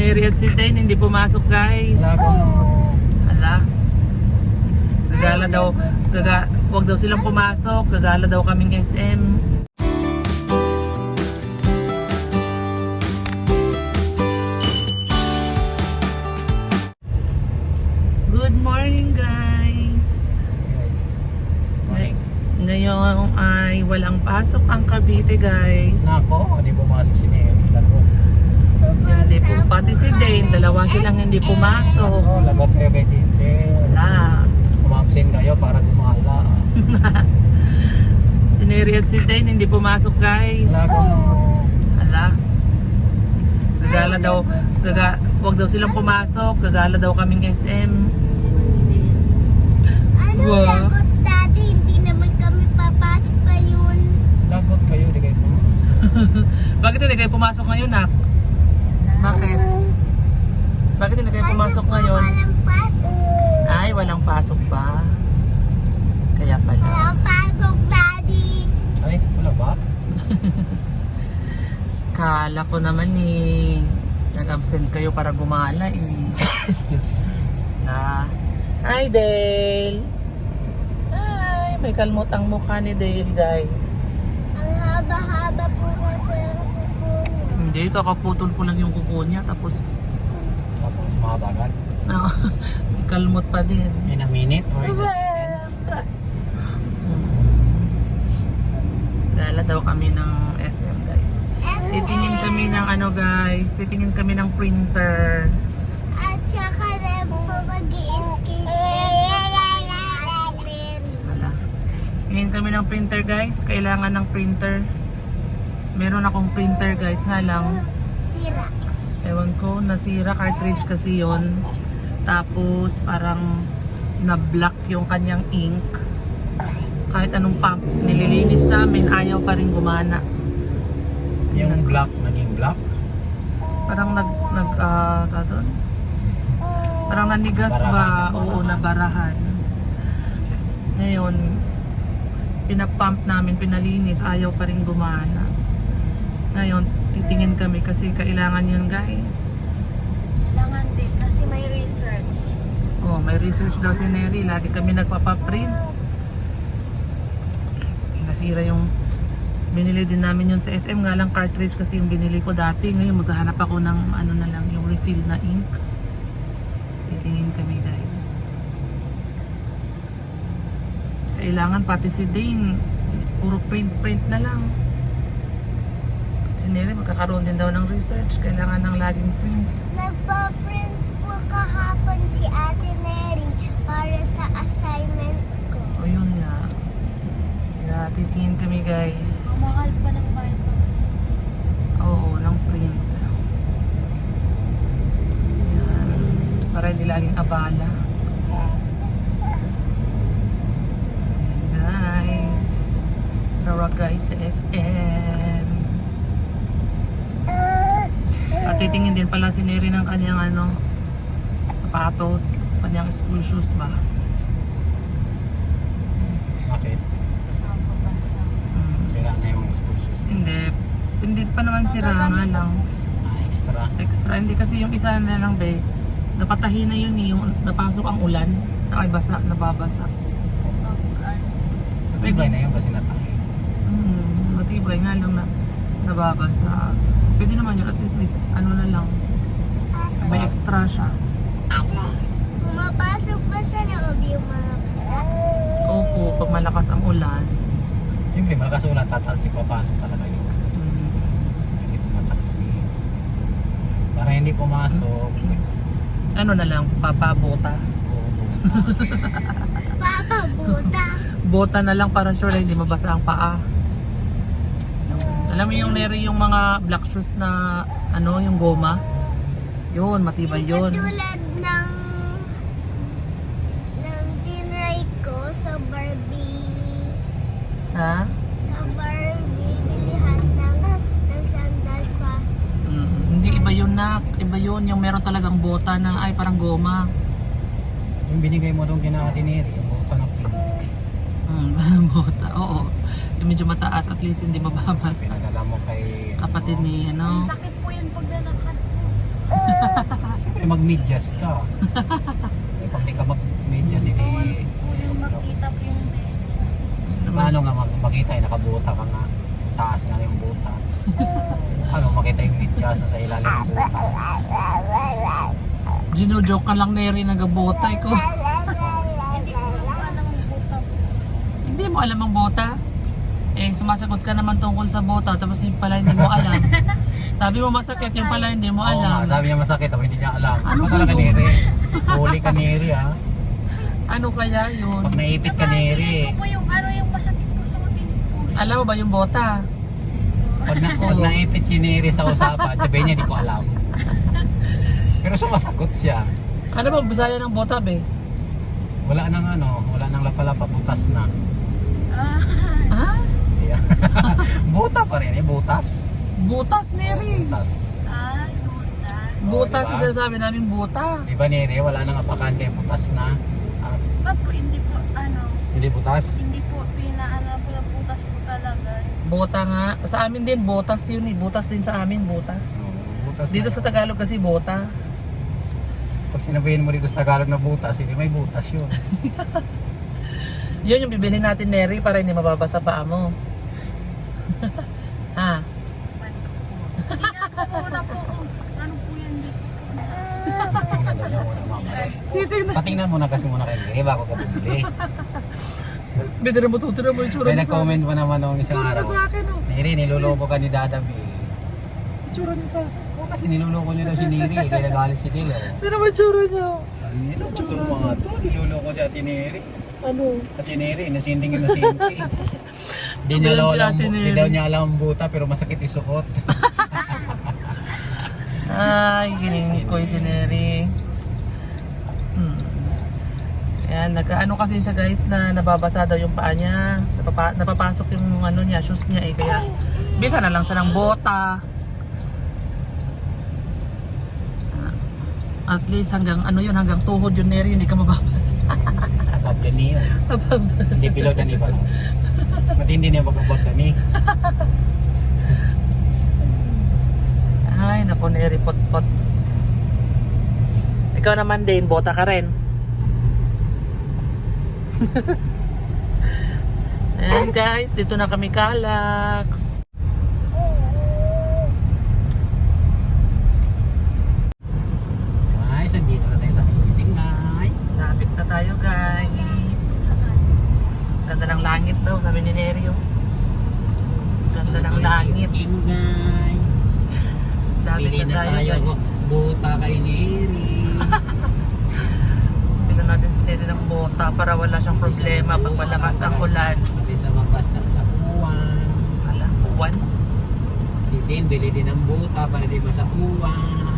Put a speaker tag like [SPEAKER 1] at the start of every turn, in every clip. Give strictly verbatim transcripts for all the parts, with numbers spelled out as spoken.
[SPEAKER 1] Neri at si Dane hindi pumasok guys. Hala. Gagala daw, gaga, wag daw silang pumasok, gagala daw kaming S M. Good morning guys. Ngay- Ngayon ay walang pasok ang Cavite guys.
[SPEAKER 2] Nako, hindi pumasok si Neri. Lagot.
[SPEAKER 1] Hindi po, pati si Dane, dalawa silang hindi pumasok.
[SPEAKER 2] Oh, lagot kayo kay teacher.
[SPEAKER 1] Wala.
[SPEAKER 2] Umabsent kayo para gumala.
[SPEAKER 1] Si Neri at si Dane hindi pumasok guys.
[SPEAKER 2] Lagot.
[SPEAKER 1] Hala. Gagala daw, gaga, wag daw silang pumasok, gagala daw kaming S M.
[SPEAKER 3] Ano
[SPEAKER 1] Wow.
[SPEAKER 3] lagot daddy? Hindi naman kami papasok ngayon.
[SPEAKER 2] Lagot kayo, hindi kayo pumasok.
[SPEAKER 1] Bakit hindi kayo pumasok ngayon, Nak? Bakit? Bakit hindi kayo pumasok ngayon?
[SPEAKER 3] Walang pasok.
[SPEAKER 1] Ay, walang pasok pa. Kaya pala.
[SPEAKER 3] Walang pasok daddy.
[SPEAKER 2] Ay, wala ba?
[SPEAKER 1] Kala ko naman eh, nag-absent kayo para gumala eh. Na. Hi, Dale. Hi, may kalmot ang mukha ni Dale, guys.
[SPEAKER 3] Ang haba-haba po kasi ang kuko niya.
[SPEAKER 1] Hindi, kakaputol ko lang yung kuko niya, tapos
[SPEAKER 2] Tapos mahabagan.
[SPEAKER 1] ah, may kalmot pa din.
[SPEAKER 2] In a minute or in a seconds.
[SPEAKER 1] Gala daw kami ng S M, guys. Titingin kami ng ano, guys. Titingin kami ng printer.
[SPEAKER 3] At saka rin po mag-i-skate.
[SPEAKER 1] Wala. Tingin kami ng printer, guys. Kailangan ng printer. Meron akong printer, guys. Nga lang,
[SPEAKER 3] Sira.
[SPEAKER 1] ewan ko, nasira cartridge kasi yon. Tapos parang na-block yung kanyang ink. Kahit anong pump nililinis namin, ayaw pa rin gumana.
[SPEAKER 2] Yung black, naging black.
[SPEAKER 1] Parang nag nag ah, tawag doon? Parang nanigas ba?
[SPEAKER 2] Barahan.
[SPEAKER 1] Oo, nabarahan. Ngayon, pinapump namin, pinalinis, ayaw pa rin gumana. Ngayon, titingin kami kasi kailangan yun, guys.
[SPEAKER 3] Kailangan din kasi may research.
[SPEAKER 1] Oh, may research daw si Neri. Lagi kami nagpapaprint. Nasira yung binili din namin yun sa S M. Nga lang cartridge kasi yung binili ko dati. Ngayon maghahanap ako ng ano na lang, yung refill na ink. Titingin kami, guys. Kailangan pati si Dane, puro print-print na lang. Si Neri magkakaroon din daw ng research. Kailangan ng laging print.
[SPEAKER 3] Nagpa-print po kahapon si Ate Neri para sa assignment ko.
[SPEAKER 1] O yun nga. Kaya titingin kami, guys.
[SPEAKER 3] Mahal pa ng Bible.
[SPEAKER 1] Oo, ng print. Yan. Para hindi laging abala. Ayan, guys. Tara guys sa S M. At titingin din pala si Neri ng kanyang ano, sapatos, kanyang school shoes ba?
[SPEAKER 2] Bakit?
[SPEAKER 1] Hmm.
[SPEAKER 2] Sira na yung school shoes.
[SPEAKER 1] Hindi. Hindi pa naman sira nga lang.
[SPEAKER 2] Ah, extra.
[SPEAKER 1] Extra. Hindi kasi yung isa na lang be. Napatahi na yun eh. Yung napasok ang ulan. Ay basa, nababasa.
[SPEAKER 2] Matibay na yun kasi natahi.
[SPEAKER 1] Mm, matibay nga lang na nababasa. Pwede naman yun. At least may ano na lang. May extra siya.
[SPEAKER 3] Pumapasok ba sa loob yung mga basa?
[SPEAKER 1] Opo, pag malakas ang ulan.
[SPEAKER 2] Siyempre, malakas ulan, tatalsik, papasok talaga yun.
[SPEAKER 1] Mm,
[SPEAKER 2] Kasi tumatalsik. Para hindi pumasok,
[SPEAKER 1] ano na lang, papabota.
[SPEAKER 2] uupo.
[SPEAKER 3] Papa, buta.
[SPEAKER 1] Bota na lang para sure na hindi mabasa ang paa. Alam mo yung Neri, yung mga black shoes na ano, yung goma. Yun, matibay yun.
[SPEAKER 3] Katulad ng ng tinry ko sa Barbie
[SPEAKER 1] Sa?
[SPEAKER 3] sa Barbie bilihan ng ng sandals pa.
[SPEAKER 1] Mm, hindi iba yun na, iba yun yung meron talagang bota na ay parang goma.
[SPEAKER 2] Yung binigay mo doon kina Ate Neri, yung buka na pink.
[SPEAKER 1] Mm, bota, oo. Yung medyo mataas, at least hindi mababasa.
[SPEAKER 2] Pinadala mo kay...
[SPEAKER 1] Kapatid ni ano.
[SPEAKER 3] Sakit po yun pag nalakad po.
[SPEAKER 2] mag-medyas ka. Eh, pag di ka mag-medyas, hindi...
[SPEAKER 3] Yung makita po yung bed.
[SPEAKER 2] Paano nga mag makita eh, nakabuta ka nga. Taas nga yung buta. Ano makita yung medyas sa ilalim ng buta.
[SPEAKER 1] Gino-joke ka lang, Neri, nagabotay ko. Hindi mo alam ang bota? Eh, sumasagot ka naman tungkol sa bota, tapos yung pala hindi mo alam. Sabi mo masakit, yung pala hindi mo
[SPEAKER 2] Oo nga,
[SPEAKER 1] alam.
[SPEAKER 2] sabi niya masakit, pero hindi niya alam.
[SPEAKER 1] Ano
[SPEAKER 2] Ano talaga
[SPEAKER 1] ba yun?
[SPEAKER 2] Neri? Huli ka Neri ah.
[SPEAKER 1] Ano kaya yun?
[SPEAKER 2] Pag naipit ka Neri.
[SPEAKER 3] Ko po yung ano yung masakit po sa atin po.
[SPEAKER 1] Alam mo ba yung bota?
[SPEAKER 2] Pag, na, pag
[SPEAKER 1] Oo.
[SPEAKER 2] naipit si Neri sa usapan, sabihin niya, di ko alam. Pero sumasagot siya.
[SPEAKER 1] Ano ba bisaya ng bota, be?
[SPEAKER 2] Wala nang ano, wala nang lapalapa, butas na.
[SPEAKER 3] Ah.
[SPEAKER 1] Ha?
[SPEAKER 2] Kaya, buta pa rin eh, butas.
[SPEAKER 1] Butas, Neri.
[SPEAKER 2] Butas.
[SPEAKER 3] Ay, buta.
[SPEAKER 1] Butas
[SPEAKER 2] diba?
[SPEAKER 1] yung sinasabi namin, buta.
[SPEAKER 2] Di ba Neri, wala nang apakante, butas na. As,
[SPEAKER 3] Ba po, hindi po, ano,
[SPEAKER 2] hindi butas?
[SPEAKER 3] hindi po, pinaano po yung butas po talaga.
[SPEAKER 1] Bota nga. Sa amin din, botas yun eh. Butas din sa amin, butas.
[SPEAKER 2] Oo, butas
[SPEAKER 1] Dito
[SPEAKER 2] na
[SPEAKER 1] sa
[SPEAKER 2] yun.
[SPEAKER 1] Tagalog kasi bota.
[SPEAKER 2] Pag sinabihin mo dito sa Tagalog na butas, hindi may butas yun.
[SPEAKER 1] Yun yung bibili natin, Neri, para hindi mababasa paa mo. Ha?
[SPEAKER 3] Man ko po. Tingnan ko muna po kung ano po yan dito.
[SPEAKER 2] Patingnan daw niya muna mama.
[SPEAKER 1] Titignan.
[SPEAKER 2] Patingnan muna kasi muna kay Neri bago ka bumili.
[SPEAKER 1] Bitira mo, tutira mo yung tsura
[SPEAKER 2] May
[SPEAKER 1] niya sa akin.
[SPEAKER 2] nag-comment pa naman nung isang
[SPEAKER 1] Tsura
[SPEAKER 2] araw.
[SPEAKER 1] niya sa akin, oh.
[SPEAKER 2] Neri, niloloko ka ni Dada Bill.
[SPEAKER 1] Tsura niya sa akin.
[SPEAKER 2] Oo, kasi niloloko niya daw si Neri, eh, kaya nagalit si Dilo.
[SPEAKER 1] Hindi naman tsura niya.
[SPEAKER 2] Ano ba itong mga to? Niloloko si Ate Neri.
[SPEAKER 1] Ano?
[SPEAKER 2] Ate Neri, nasinding yung nasinti. Hindi niya
[SPEAKER 1] Ayan
[SPEAKER 2] daw
[SPEAKER 1] si
[SPEAKER 2] alam,
[SPEAKER 1] Ate
[SPEAKER 2] hindi
[SPEAKER 1] Neri.
[SPEAKER 2] daw niya alam ang buta pero masakit isuot.
[SPEAKER 1] Ay, kining ko si Neri. Hmm. Ayan, nagkaano kasi siya guys na nababasa daw yung paa niya. Napapa, napapasok yung ano niya, shoes niya eh. Kaya bila na lang siya ng bota. Ah, At least hanggang ano yun, hanggang tuhod yun Neri, hindi ka mababasa.
[SPEAKER 2] Above the knee yun. Hindi below the knee pala. Matindi niya pag-above the knee.
[SPEAKER 1] Ay, naku Neri, pot-pots. Ikaw naman din, bota ka rin. Ayan guys, dito na kami Calax.
[SPEAKER 2] Guys, andito na tayo sa Amazing guys.
[SPEAKER 1] Lapit na tayo guys. Ganda ng langit daw, sabi ni Nerio. Ganda ng langit.
[SPEAKER 2] Amazing guys.
[SPEAKER 1] Lapit
[SPEAKER 2] Pili
[SPEAKER 1] na
[SPEAKER 2] na
[SPEAKER 1] tayo
[SPEAKER 2] tayo
[SPEAKER 1] guys.
[SPEAKER 2] buta kay Neri.
[SPEAKER 1] Pila natin si Neri ng bota para wala siyang problema pag malakas ang ulan.
[SPEAKER 2] Pati sa mabasa sa uwan.
[SPEAKER 1] Ala, uwan.
[SPEAKER 2] Si Tin, bili din ng buta para di ba sa uwan.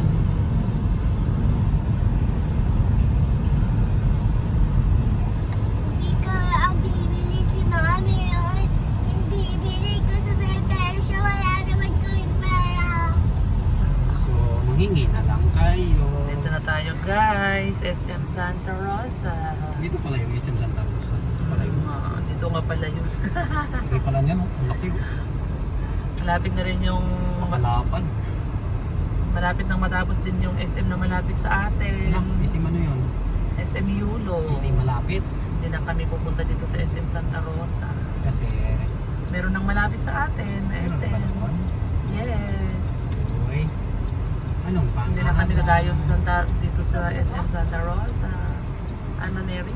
[SPEAKER 3] Hindi ka ang bibili si Mami yun. Yung bibili ko sa pero siya wala naman kaming pera.
[SPEAKER 2] So, manghingi na lang kayo.
[SPEAKER 1] Dito na tayo guys, S M Santa Rosa.
[SPEAKER 2] Dito pala yung S M Santa Rosa. Dito pala yung...
[SPEAKER 1] Ah, dito nga pala yun.
[SPEAKER 2] Hindi pala niya, no? Ang laki.
[SPEAKER 1] Malapit na rin yung
[SPEAKER 2] Makalapad.
[SPEAKER 1] malapit nang matapos din yung S M na malapit sa atin.
[SPEAKER 2] Ano? Isi ano yun?
[SPEAKER 1] S M Yulo.
[SPEAKER 2] Isi malapit.
[SPEAKER 1] Hindi na kami pupunta dito sa S M Santa Rosa.
[SPEAKER 2] Kasi...
[SPEAKER 1] Meron nang malapit sa atin na
[SPEAKER 2] Ano
[SPEAKER 1] S
[SPEAKER 2] ba
[SPEAKER 1] M.
[SPEAKER 2] naman?
[SPEAKER 1] Yes.
[SPEAKER 2] Uy. Anong pa?
[SPEAKER 1] Hindi na kami dadayo sa Santa, dito sa S M Santa Rosa. Ano, Neri?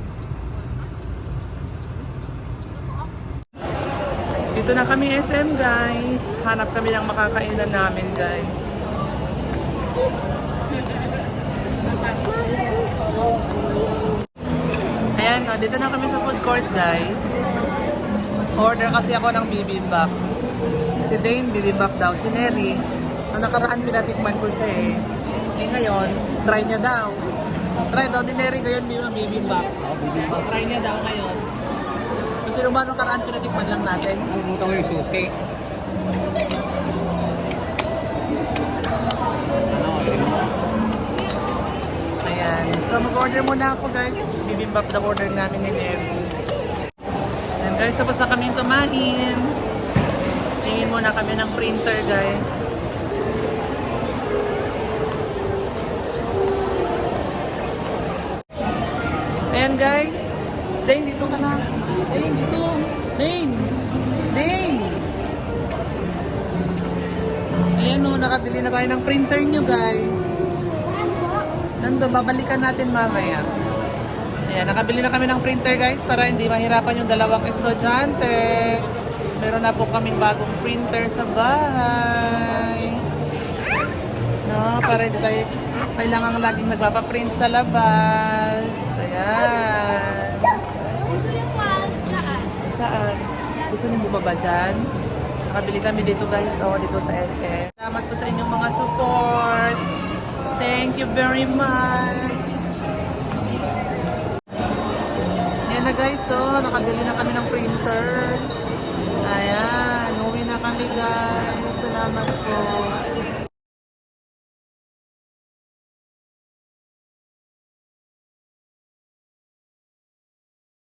[SPEAKER 1] Dito na kami S M guys. Hanap kami ng makakainan namin guys. Ayan, oh, dito na kami sa food court guys. Order kasi ako ng bibimbap. Si Dane bibimbap daw. Si Neri, ang nakaraan pinatikman ko siya eh. Eh ngayon, try niya daw. Try daw ni Neri ngayon yung bibimbap. Try niya daw ngayon. Kasi nung ba nung nakaraan pinatikman lang natin.
[SPEAKER 2] Pumunta ko yung susi.
[SPEAKER 1] Ayan. So mag-order muna ako guys. Bibimbap na order namin ni Neri. Ayan guys, tapos na kaming kumain. Tingin muna kami ng printer guys. Ayan guys. Dane, dito ka na. Dane, dito. Dane. Dane. Ayan o, nakabili na tayo ng printer nyo guys. Nando, babalikan natin mamaya. Ayan, nakabili na kami ng printer guys para hindi mahirapan yung dalawang estudyante. Meron na po kaming bagong printer sa bahay. No, para hindi tayo kailangan laging nagpapaprint sa labas. Ayan.
[SPEAKER 3] Gusto niyo po alas dyan?
[SPEAKER 1] Saan? Gusto niyo bumaba dyan? Nakabili kami dito guys, oh, dito sa S M. Salamat po sa inyong mga support. Thank you very much. Yan na guys, oh, nakabili na kami ng printer. Ayan, uwi na kami guys. Salamat po.